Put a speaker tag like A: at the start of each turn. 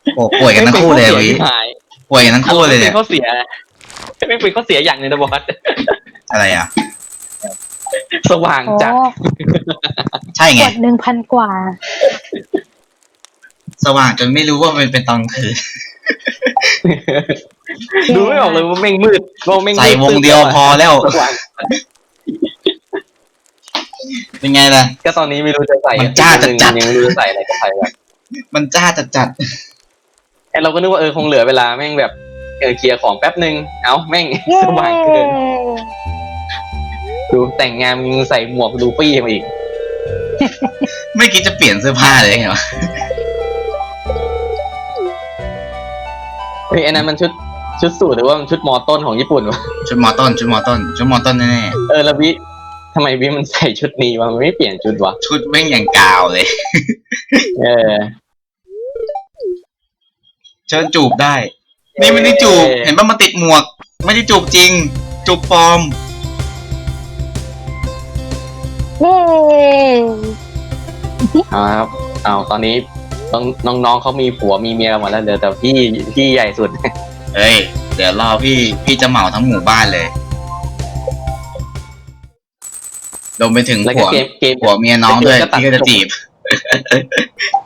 A: โอ้ป่วยกันทั้งคู่เลยวิป่วยกันทั้งคู่เลยเนี่ย
B: เขาเสียไม่เป็นเขาเสียอย่างหนึ่งนะบอส
A: อะไรอ่ะ
B: สว่างจัด
A: ใช่ไง
C: กด1,000 กว่า
A: สว่างจนไม่รู้ว่ามันเป็นตอนคืน
B: ดูไม่ออกเลยว่าแม่งมืดว่าแม่งมืด
A: ใส่วงเดียวพอแล้ว
B: สว่าง
A: เป็นไงล่ะ
B: ก็ตอนนี้ไม่รู้จะใส่
A: มันจ้าจัดๆ
B: ยังไม่รู้จะใส่อะไรก็ใส่แบบ
A: มันจ้าจัด
B: ไอเราก็นึกว่าคงเหลือเวลาแม่งแบบเคลียร์ของแป๊บนึงเอ้าแม่ง
C: เย้
B: สว่างเกินดูแต่งงานมึงใส่หมวกลูฟี่มาอีก
A: ๆไม่คิดจะเปลี่ยนเสื้อผ้าเลยเหรอ
B: เฮ้ยอันนั้นมันชุดสูทหรือว่ามันชุดมอต้นของญี่ปุ่นวะ
A: ชุดมอต้นแน่
B: แล้ววิทำไมวิมันใส่ชุดนี้วะมันไม่เปลี่ยนชุดวะ
A: ๆชุดแม่งอย่างกาวเลย
B: เออ
A: เชิญจูบได้ นี่ไม่ได้จูบ เห็นป่ะมันติดหมวก ไม่ได้จูบจริง จูบปลอม
C: เย้
B: เอาครับเอาตอนนี้น้องๆเขามีผัวมีเมียกันหมดแล้วเหลือแต่พี่ใหญ่สุด
A: เฮ้ย เดี๋ยวรอพี่จะเหมาทั้งหมู่บ้านเลยรวมไปถึง
B: แล้ว
A: ผั
B: ก็
A: ว
B: เกม
A: ผัวเมียน้องด้วย
B: เกมก็ตัด
A: ที่ก็จะจีบ